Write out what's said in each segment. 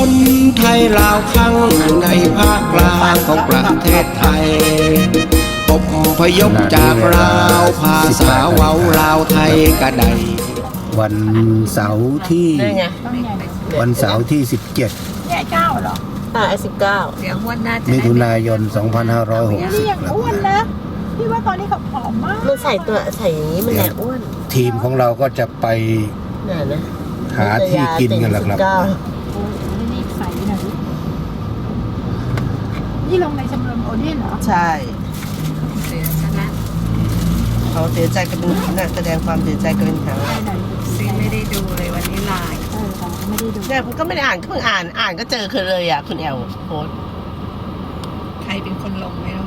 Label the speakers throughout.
Speaker 1: คนไทยลาวข้างในภาคกลางของประเทศไทยอพยพจากลาวภาษาเว้าลาวไทยกระได
Speaker 2: วันเสาร์ที่17
Speaker 3: เนี่ย9เหรอ
Speaker 2: 19มิถุนายน 2560
Speaker 3: นี่ยังอ้วนนะพี่ว่าตอนนี้เขาผอมมาก
Speaker 4: มันใส่อย่างนี้มันแหละอ้วน
Speaker 2: ทีมของเราก็จะไปหาที่กินกันแหละครับ
Speaker 3: นี่ใส่หน่อยนี่ลงในชมรมโอเดียนเหรอ
Speaker 4: ใช่เขาเสียใจกันนักแสดงความเสียใจกันเป็นครั้ง
Speaker 5: ซีไม่ได้ดูเลยวันนี้ไลน์
Speaker 3: ไม่ได้ดู
Speaker 4: เนี่ยก็ไม่ได้อ่านเพิ่งอ่านก็เจอคือเลยอ่ะคุณแอลโพส
Speaker 5: ใครเป็นคนลงไม่รู้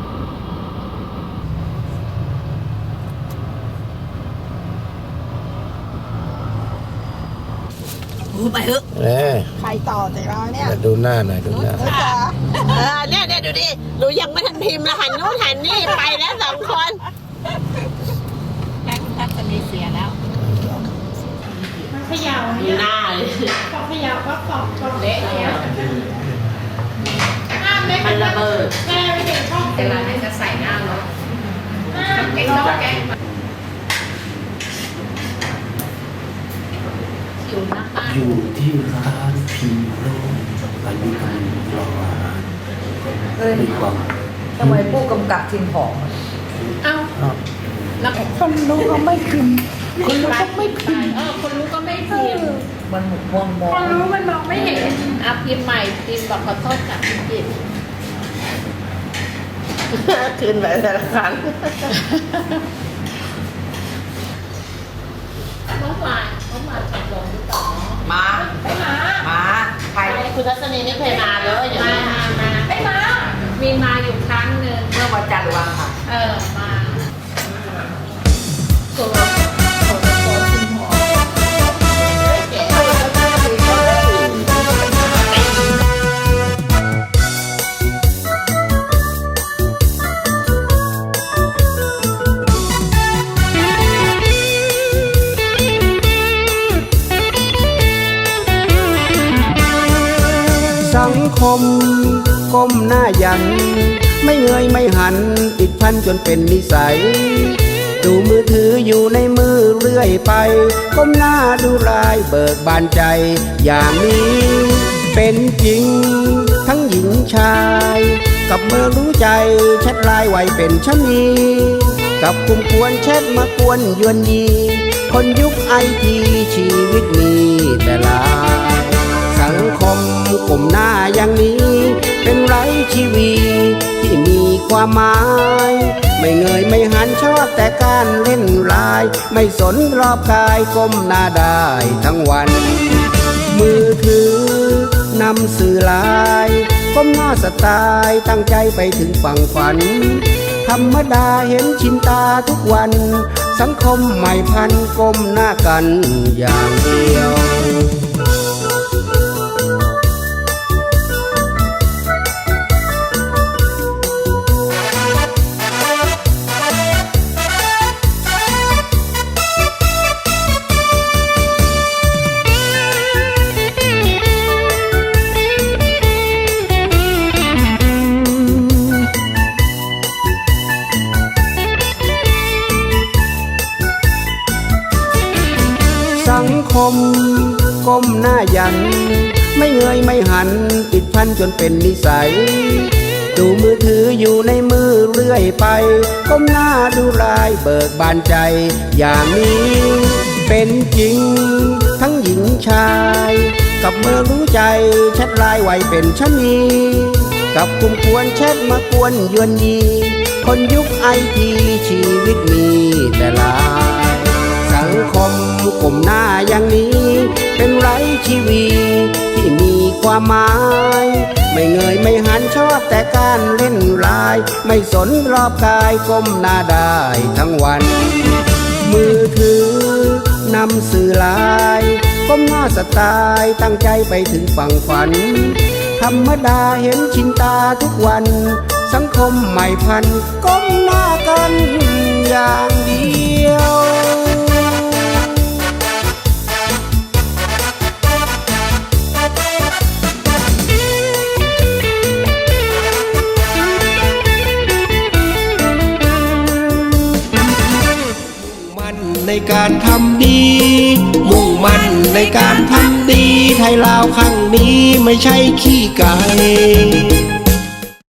Speaker 5: ไปเถอะ
Speaker 3: ใครต่อจากเราเนี่ย
Speaker 2: ดูหน้าหน่อยดูหน้า
Speaker 4: เนี่ยดูดิหนูยังไม่ทันพิมพ์ละหันนู้นหันนี่ไปแล้ว2 คน
Speaker 5: แม่คุณทัศนีเสียแล้ว
Speaker 3: เขย่า
Speaker 4: หน้าเลย
Speaker 3: พอเขย่าก็ตอก
Speaker 5: เละแล้ว
Speaker 4: มันระเบิด
Speaker 3: แม่ไม่เห็นช่อง
Speaker 5: เวลาไหนจะใส่หน้ารถแกงแกง
Speaker 1: อยู่ที่ร้านพีโร่อายุการรออาหารมีความ
Speaker 6: ทำไมผู้กำกับทีมผอม
Speaker 5: เอ้าแล้ว
Speaker 3: คนรู้เขาไม่พิมพ์คนรู้ก็ไม่พิมพ์
Speaker 5: คนรู้ก็ไม่พิมพ์
Speaker 6: มันหมุนมอง
Speaker 3: คนรู้มันมองไม่เห็น
Speaker 5: พิมพ์ใหม่พิมพ์บอกขอโทษกับพิมพ์ผิด
Speaker 4: คืนไปแต่ละครั้ง
Speaker 5: เมื่อวานชมรมที่ต่อ
Speaker 4: มาใครคุณทัศนีไม่เคยมาเลย
Speaker 5: มา
Speaker 3: ไม่มา
Speaker 5: มีมาอยู่ครั้งหนึ่ง
Speaker 4: เมื่อวันจันทร์วันค่ะ
Speaker 5: มา
Speaker 1: สังคมก้มหน้ายันไม่เงยไม่หันติดพันจนเป็นนิสัยดูมือถืออยู่ในมือเรื่อยไปก้มหน้าดูรายเบิกบานใจอย่างนี้เป็นจริงทั้งหญิงชายกับเมื่อรู้ใจแชทไลน์ไวเป็นชะนีกับกลุ่มกวนแชทมากวนยวนยีคนยุคไอทีชีวิตมีแต่ลายสังคมกลุ่มหน้าอย่างนี้เป็นไร้ชีวีที่มีความหมายไม่เงยไม่หันชอบแต่การเล่นไลน์ไม่สนรอบกายก้มหน้าได้ทั้งวันมือถือนำสื่อไลน์ก้มหน้าสไตล์ตั้งใจไปถึงฝั่งฝันธรรมดาเห็นชินตาทุกวันสังคมใหม่พันก้มหน้ากันอย่างเดียวสังคมก้มหน้ายันไม่เงยไม่หันติดพันจนเป็นนิสัยดูมือถืออยู่ในมือเรื่อยไปก้มหน้าดูรายเบิกบานใจอย่างนี้เป็นจริงทั้งหญิงชายกับเมื่อรู้ใจแชทไลน์ไวเป็นชะนีกับกลุ่มกวนแชทมากวนยวนยีคนยุคไอทีชีวิตมีแต่ลายสังคมกลุ่มหน้าอย่างนี้เป็นไร้ชีวีที่มีความหมายไม่เงยไม่หันชอบแต่การเล่นไลน์ไม่สนรอบกายก้มหน้าได้ทั้งวันมือถือนำสื่อไลน์ก้มหน้าสไตล์ตั้งใจไปถึงฝั่งฝันธรรมดาเห็นชินตาทุกวันสังคมใหม่พันก้มหน้ากันอย่างเดียวในการทำดี มุ่งมั่นในการทำดี ไทยลาวครั้งนี้ไม่ใช่ขี้ไก่